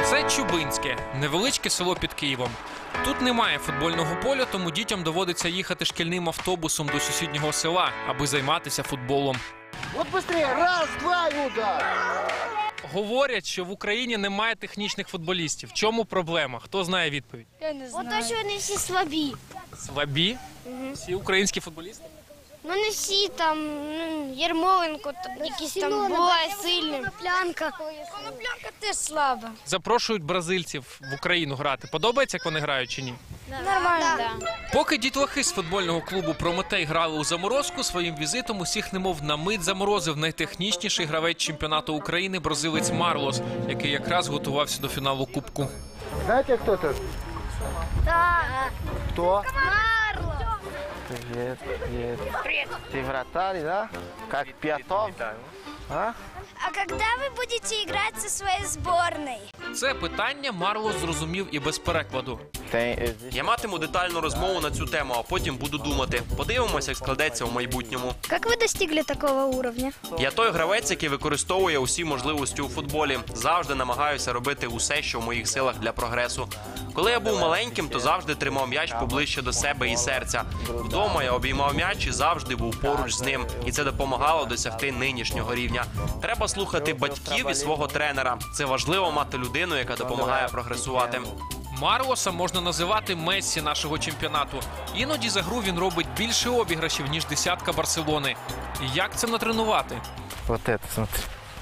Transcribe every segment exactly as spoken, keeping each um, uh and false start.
Це Чубинське, невеличке село під Києвом. Тут немає футбольного поля, тому дітям доводиться їхати шкільним автобусом до сусіднього села, аби займатися футболом. От швидше! Раз, два і удар! Говорять, що в Україні немає технічних футболістів. В чому проблема? Хто знає відповідь? Я не знаю. Ото що вони всі слабі. Слабі? Угу. Всі українські футболісти? Ну не всі там, ну, Єрмоленко, та- якийсь там буває сильним. Коноплянка. Коноплянка теж слаба. Запрошують бразильців в Україну грати. Подобається, як вони грають чи ні? Нормально. Да. Поки дітлахи з футбольного клубу «Прометей» грали у заморозку, своїм візитом усіх немов на мить заморозив найтехнічніший гравець чемпіонату України бразилець Марлос, який якраз готувався до фіналу Кубку. Знаєте, хто це? Так. Хто? Марло. Привет, привет. Привет. Ты вратарь, да? Как Пятов? А? А когда вы будете играть со своей сборной? Це питання Марлос зрозумів і без перекладу. Я матиму детальну розмову на цю тему, а потім буду думати. Подивимося, як складеться в майбутньому. Как вы достигли такого уровня? Я той гравець, який використовує усі можливості у футболі. Завжди намагаюся робити усе, що в моїх силах для прогресу. Коли я був маленьким, то завжди тримав м'яч поближче до себе і серця. Вдома я обіймав м'яч і завжди був поруч з ним. І це допомагало досягти нинішнього рівня. Треба слухати батьків і свого тренера. Це важливо мати людину, яка допомагає прогресувати. Марлоса можна називати Мессі нашого чемпіонату. Іноді за гру він робить більше обіграшів, ніж десятка Барселони. І як це натренувати? Вот это, смотри.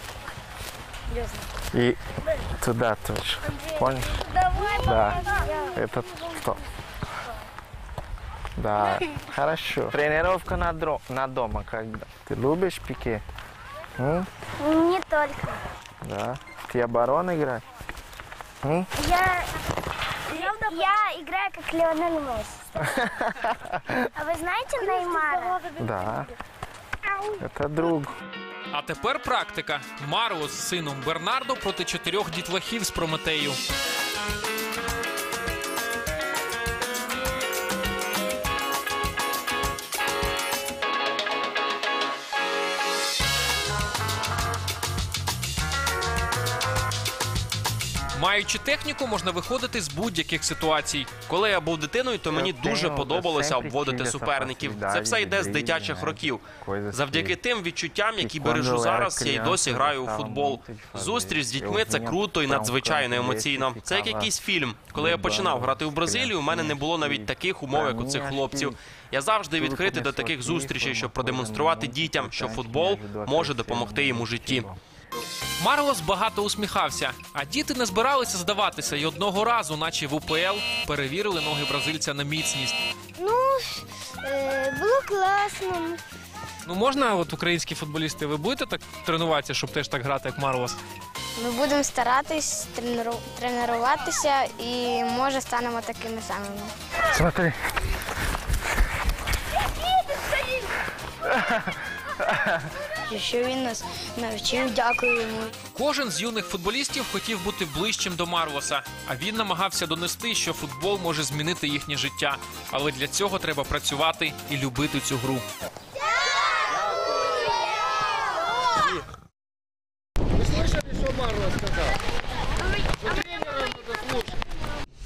И туда тоже. Понял? Да. Это кто? Да. Хорошо. Тренировка на, дро... на дома когда? Ты любишь пике? М? Не только. Да. Ты оборон играть? М? Я, я играю как Лионель Месси. А вы знаете Неймара? Да. Это друг. А тепер практика. Марлос з сином Бернардо проти чотирьох дітлахів з Прометею. Маючи техніку, можна виходити з будь-яких ситуацій. Коли я був дитиною, то мені дуже подобалося обводити суперників. Це все йде з дитячих років. Завдяки тим відчуттям, які бережу зараз, я й досі граю у футбол. Зустріч з дітьми – це круто і надзвичайно емоційно. Це як якийсь фільм. Коли я починав грати в Бразилію, у мене не було навіть таких умов, як у цих хлопців. Я завжди відкритий до таких зустрічей, щоб продемонструвати дітям, що футбол може допомогти їм у житті. Марлос багато усміхався, а діти не збиралися здаватися і одного разу, наче в УПЛ, перевірили ноги бразильця на міцність. Ну, е, було класно. Ну можна, от українські футболісти, ви будете так тренуватися, щоб теж так грати, як Марлос? Ми будемо старатись тренеру... тренуватися і, може, станемо такими самими. Смотри. Що він нас навчив, дякую йому. Кожен з юних футболістів хотів бути ближчим до Марлоса, а він намагався донести, що футбол може змінити їхнє життя. Але для цього треба працювати і любити цю гру.